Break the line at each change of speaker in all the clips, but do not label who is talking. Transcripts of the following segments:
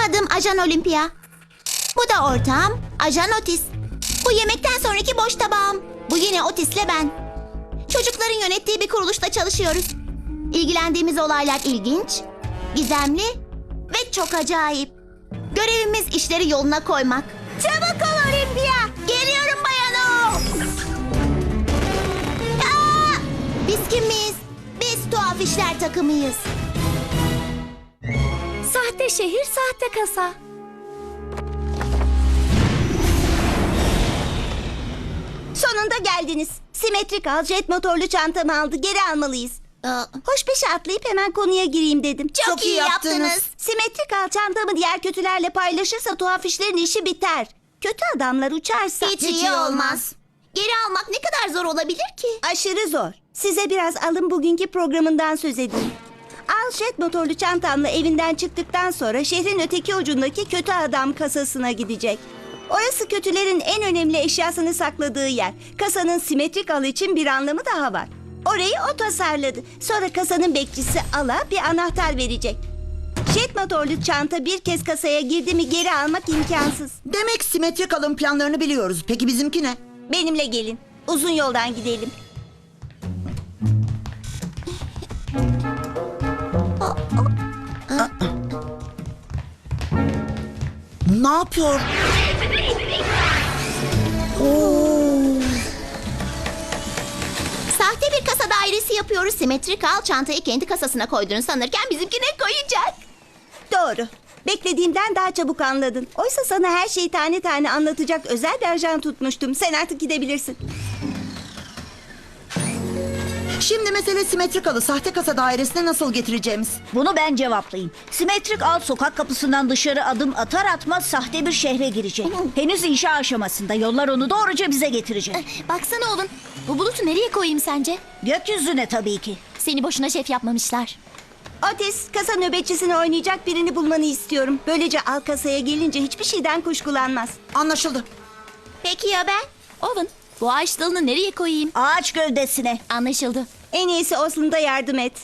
Benim adım Ajan Olimpia. Bu da ortağım Ajan Otis. Bu yemekten sonraki boş tabağım. Bu yine Otis'le ben. Çocukların yönettiği bir kuruluşta çalışıyoruz. İlgilendiğimiz olaylar ilginç, gizemli ve çok acayip. Görevimiz işleri yoluna koymak. Çabuk ol Olimpia. Geliyorum bayano. Biz kimiz? Biz tuhaf işler takımıyız.
Sahte şehir, sahte kasa.
Sonunda geldiniz. Simetrik al jet motorlu çantamı aldı. Geri almalıyız. Hoş beşe atlayıp hemen konuya gireyim dedim.
Çok iyi yaptınız.
Simetrik al çantamı diğer kötülerle paylaşırsa tuhaf işlerin işi biter. Kötü adamlar uçarsa...
Hiç iyi olmaz. Geri almak ne kadar zor olabilir ki?
Aşırı zor. Size biraz alın bugünkü programından söz edeyim. Al jet motorlu çantamla evinden çıktıktan sonra şehrin öteki ucundaki kötü adam kasasına gidecek. Orası kötülerin en önemli eşyasını sakladığı yer. Kasanın simetrik al için bir anlamı daha var. Orayı o tasarladı. Sonra kasanın bekçisi Al'a bir anahtar verecek. Jet motorlu çanta bir kez kasaya girdi mi geri almak imkansız.
Demek simetrik alım planlarını biliyoruz. Peki bizimki ne?
Benimle gelin. Uzun yoldan gidelim.
Ne yapıyor?
Sahte bir kasa dairesi yapıyoruz. Simetrik al çantayı kendi kasasına koyduğunu sanırken bizimkine koyacak.
Doğru. Beklediğimden daha çabuk anladın. Oysa sana her şeyi tane tane anlatacak özel bir ajan tutmuştum. Sen artık gidebilirsin.
Şimdi mesele simetrik alı sahte kasa dairesine nasıl getireceğimiz.
Bunu ben cevaplayayım. Simetrik al sokak kapısından dışarı adım atar atmaz sahte bir şehre girecek. Henüz inşa aşamasında, yollar onu doğruca bize getirecek.
Baksana oğlum. Bu bulutu nereye koyayım sence?
Gökyüzüne tabii ki.
Seni boşuna şef yapmamışlar.
Otis, kasa nöbetçisini oynayacak birini bulmanı istiyorum. Böylece al kasaya gelince hiçbir şeyden kuşkulanmaz.
Anlaşıldı.
Peki ya ben?
Owen, bu ağaç dalını nereye koyayım?
Ağaç gövdesine.
Anlaşıldı.
En iyisi Oslin'da yardım et.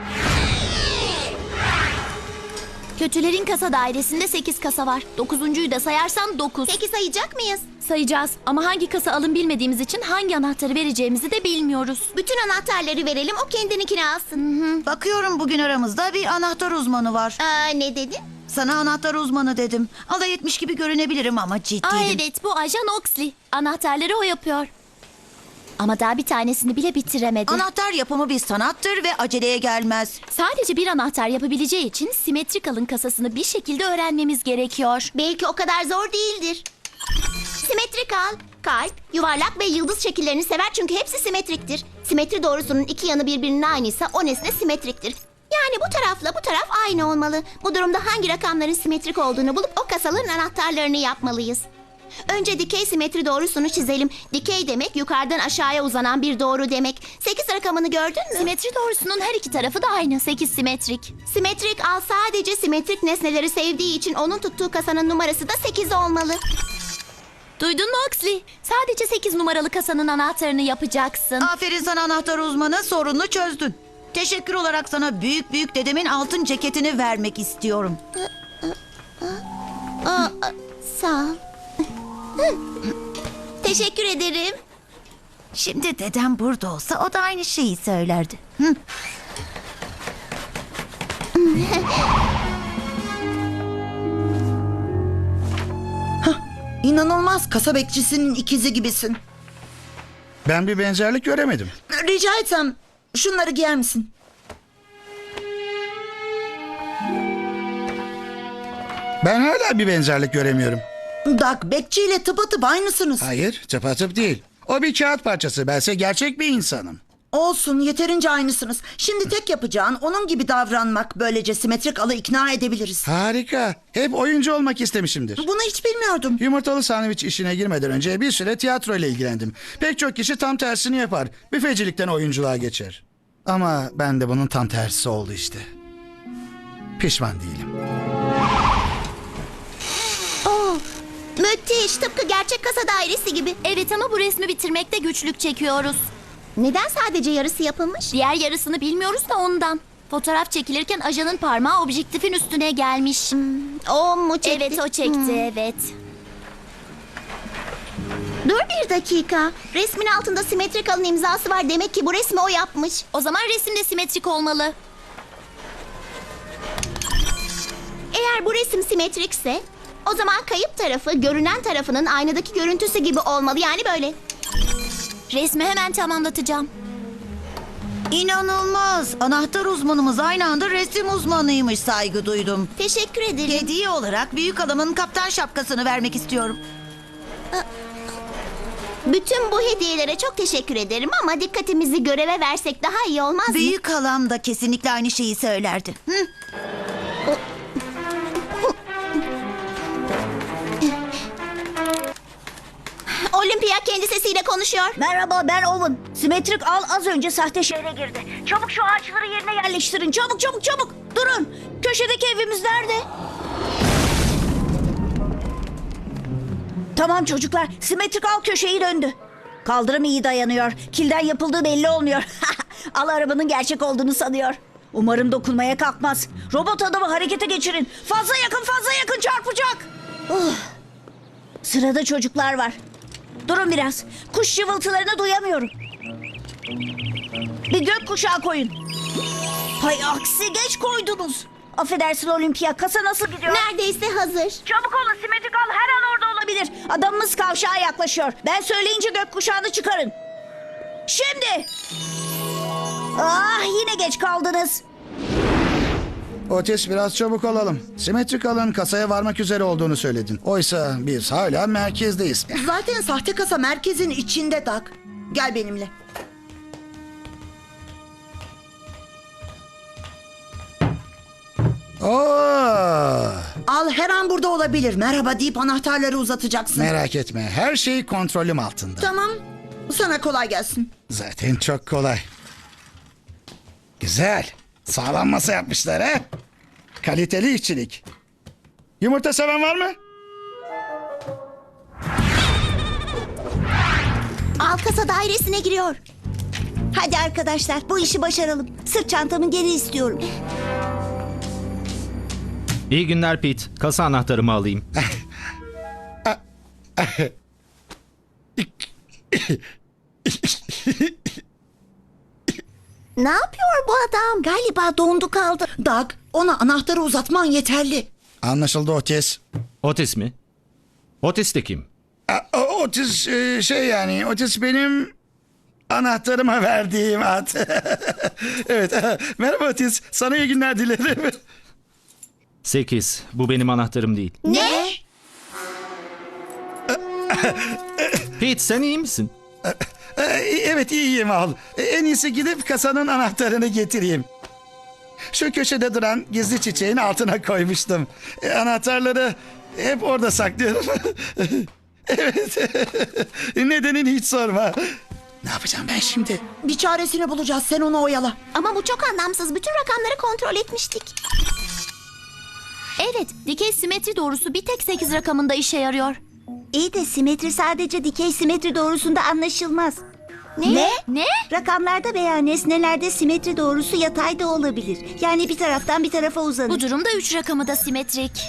Kötülerin kasa dairesinde 8 kasa var. 9'uncuyu da sayarsan 9.
Peki sayacak mıyız?
Sayacağız ama hangi kasa alın bilmediğimiz için hangi anahtarı vereceğimizi de bilmiyoruz.
Bütün anahtarları verelim, o kendininkini alsın.
Bakıyorum bugün aramızda bir anahtar uzmanı var.
Ne dedin?
Sana anahtar uzmanı dedim. Alay etmiş gibi görünebilirim ama ciddiydim.
Evet, bu ajan Oxley. Anahtarları o yapıyor. Ama daha bir tanesini bile bitiremedi.
Anahtar yapımı bir sanattır ve aceleye gelmez.
Sadece bir anahtar yapabileceği için simetrik alın kasasını bir şekilde öğrenmemiz gerekiyor.
Belki o kadar zor değildir. Simetrik al, kalp, yuvarlak ve yıldız şekillerini sever çünkü hepsi simetriktir. Simetri doğrusunun iki yanı birbirinin aynıysa o nesne simetriktir. Yani bu tarafla bu taraf aynı olmalı. Bu durumda hangi rakamların simetrik olduğunu bulup o kasaların anahtarlarını yapmalıyız. Önce dikey simetri doğrusunu çizelim. Dikey demek yukarıdan aşağıya uzanan bir doğru demek. 8 rakamını gördün mü?
Simetri doğrusunun her iki tarafı da aynı. 8 simetrik.
Simetrik al sadece simetrik nesneleri sevdiği için onun tuttuğu kasanın numarası da 8 olmalı.
Duydun mu Oxley? Sadece 8 numaralı kasanın anahtarını yapacaksın.
Aferin sana anahtar uzmanı, sorununu çözdün. Teşekkür olarak sana büyük büyük dedemin altın ceketini vermek istiyorum.
Sağ ol. Teşekkür ederim.
Şimdi dedem burada olsa o da aynı şeyi söylerdi.
İnanılmaz, kasa bekçisinin ikizi gibisin.
Ben bir benzerlik göremedim.
Rica etsem şunları giyer misin?
Ben hala bir benzerlik göremiyorum.
Doug, bekçiyle tıpatıp aynısınız.
Hayır, tıpatıp değil. O bir kağıt parçası. Bense gerçek bir insanım.
Olsun, yeterince aynısınız. Şimdi tek yapacağın onun gibi davranmak. Böylece simetrik alı ikna edebiliriz.
Harika. Hep oyuncu olmak istemişimdir.
Bunu hiç bilmiyordum.
Yumurtalı sandviç işine girmeden önce bir süre tiyatro ile ilgilendim. Pek çok kişi tam tersini yapar. Büfecilikten oyunculuğa geçer. Ama ben de bunun tam tersi oldu işte. Pişman değilim.
Müthiş, tıpkı gerçek kasa dairesi gibi.
Evet ama bu resmi bitirmekte güçlük çekiyoruz.
Neden sadece yarısı yapılmış?
Diğer yarısını bilmiyoruz da ondan. Fotoğraf çekilirken ajanın parmağı objektifin üstüne gelmiş.
O mu çekti?
Evet o çekti evet.
Dur bir dakika. Resmin altında simetrik alın imzası var. Demek ki bu resmi o yapmış.
O zaman resim de simetrik olmalı.
Eğer bu resim simetrikse o zaman kayıp tarafı görünen tarafının aynadaki görüntüsü gibi olmalı. Yani böyle.
Resmi hemen tamamlatacağım.
İnanılmaz. Anahtar uzmanımız aynı anda resim uzmanıymış, saygı duydum.
Teşekkür ederim.
Hediye olarak büyük halamın kaptan şapkasını vermek istiyorum.
Bütün bu hediyelere çok teşekkür ederim ama dikkatimizi göreve versek daha iyi olmaz mı?
Büyük halam da kesinlikle aynı şeyi söylerdi. Hı?
Olimpiya kendi sesiyle konuşuyor.
Merhaba, ben Owen. Simetrik al az önce sahte şehre girdi. Çabuk şu ağaçları yerine yerleştirin. Çabuk çabuk çabuk. Durun. Köşedeki evimiz nerede? Tamam çocuklar. Simetrik al köşeyi döndü. Kaldırım iyi dayanıyor. Kilden yapıldığı belli olmuyor. Al arabanın gerçek olduğunu sanıyor. Umarım dokunmaya kalkmaz. Robot adamı harekete geçirin. Fazla yakın çarpacak. Sırada çocuklar var. Durun biraz. Kuş cıvıltılarını duyamıyorum. Bir gökkuşağı koyun. Hay aksi geç koydunuz. Affedersin Olimpiya, kasa nasıl gidiyor?
Neredeyse hazır.
Çabuk olun, simetrik al her an orada olabilir. Adamımız kavşağa yaklaşıyor. Ben söyleyince gökkuşağını çıkarın. Şimdi. Ah yine geç kaldınız.
Otis biraz çabuk olalım. Simetrik alın kasaya varmak üzere olduğunu söyledin. Oysa biz hala merkezdeyiz.
Zaten sahte kasa merkezin içinde Doug. Gel benimle.
Oo,
Al her an burada olabilir. Merhaba deyip anahtarları uzatacaksın.
merak etme her şey kontrolüm altında.
Tamam. Sana kolay gelsin.
Zaten çok kolay. Güzel. Sağlam masa yapmışlar ha. Kaliteli işçilik. Yumurta seven var mı?
Al kasa dairesine giriyor.
Hadi arkadaşlar bu işi başaralım. Sırt çantamı geri istiyorum.
İyi günler Pete. Kasa anahtarımı alayım.
Ne yapıyor bu adam?
Galiba dondu kaldı.
Doug, ona anahtarı uzatman yeterli.
Anlaşıldı Otis.
Otis mi? Otis de kim?
Otis yani Otis benim anahtarıma verdiğim at. Evet. Merhaba Otis. Sana iyi günler dilerim.
8. Bu benim anahtarım değil.
Ne?
Pete sen iyi misin?
Evet iyiyim al. En iyisi gidip kasanın anahtarını getireyim. Şu köşede duran gizli çiçeğin altına koymuştum. Anahtarları hep orada saklıyorum. Evet. Nedenini hiç sorma. Ne yapacağım ben şimdi?
Bir çaresini bulacağız. Sen onu oyala.
Ama bu çok anlamsız. Bütün rakamları kontrol etmiştik.
Evet dikey simetri doğrusu bir tek 8 rakamında işe yarıyor.
İyi de simetri sadece dikey simetri doğrusunda anlaşılmaz.
Ne?
Rakamlarda veya nesnelerde simetri doğrusu yatay da olabilir. Yani bir taraftan bir tarafa uzanır.
Bu durumda 3 rakamı da simetrik.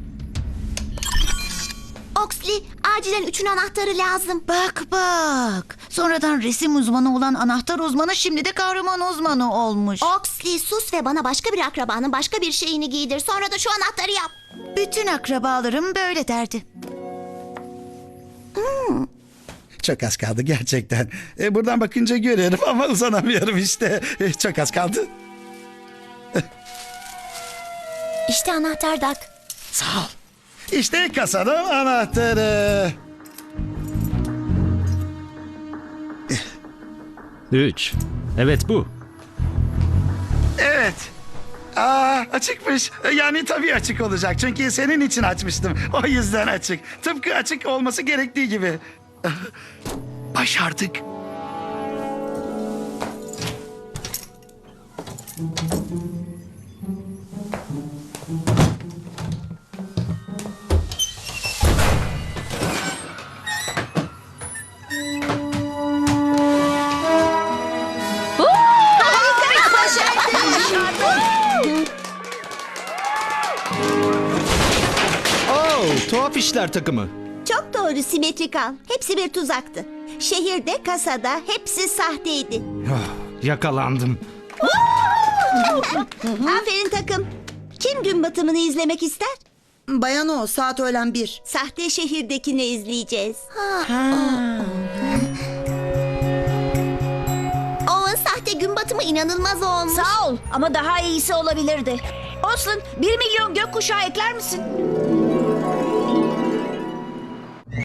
Oxley, acilen 3'ün anahtarı lazım.
Bak. Sonradan resim uzmanı olan anahtar uzmanı şimdi de kahraman uzmanı olmuş.
Oxley sus ve bana başka bir akrabanın başka bir şeyini giydir. Sonra da şu anahtarı yap.
Bütün akrabalarım böyle derdi.
Çok az kaldı gerçekten. Buradan bakınca görüyorum ama uzanamıyorum işte. Çok az kaldı.
İşte anahtar Doug.
Sağ ol. İşte kasanın anahtarı.
3. Evet bu.
Evet. Açıkmış. Yani tabii açık olacak. Çünkü senin için açmıştım. O yüzden açık. Tıpkı açık olması gerektiği gibi. Başardık.
Başardık.
Tuhaf işler takımı.
Çok doğru simetrik al. Hepsi bir tuzaktı. Şehirde, kasada hepsi sahteydi.
Yakalandım.
Aferin takım. Kim gün batımını izlemek ister?
Bayan o, saat öğlen 1.
Sahte şehirdekini izleyeceğiz.
O sahte gün batımı inanılmaz olmuş.
Sağ ol ama daha iyisi olabilirdi. Olsun 1 milyon gökkuşağı ekler misin?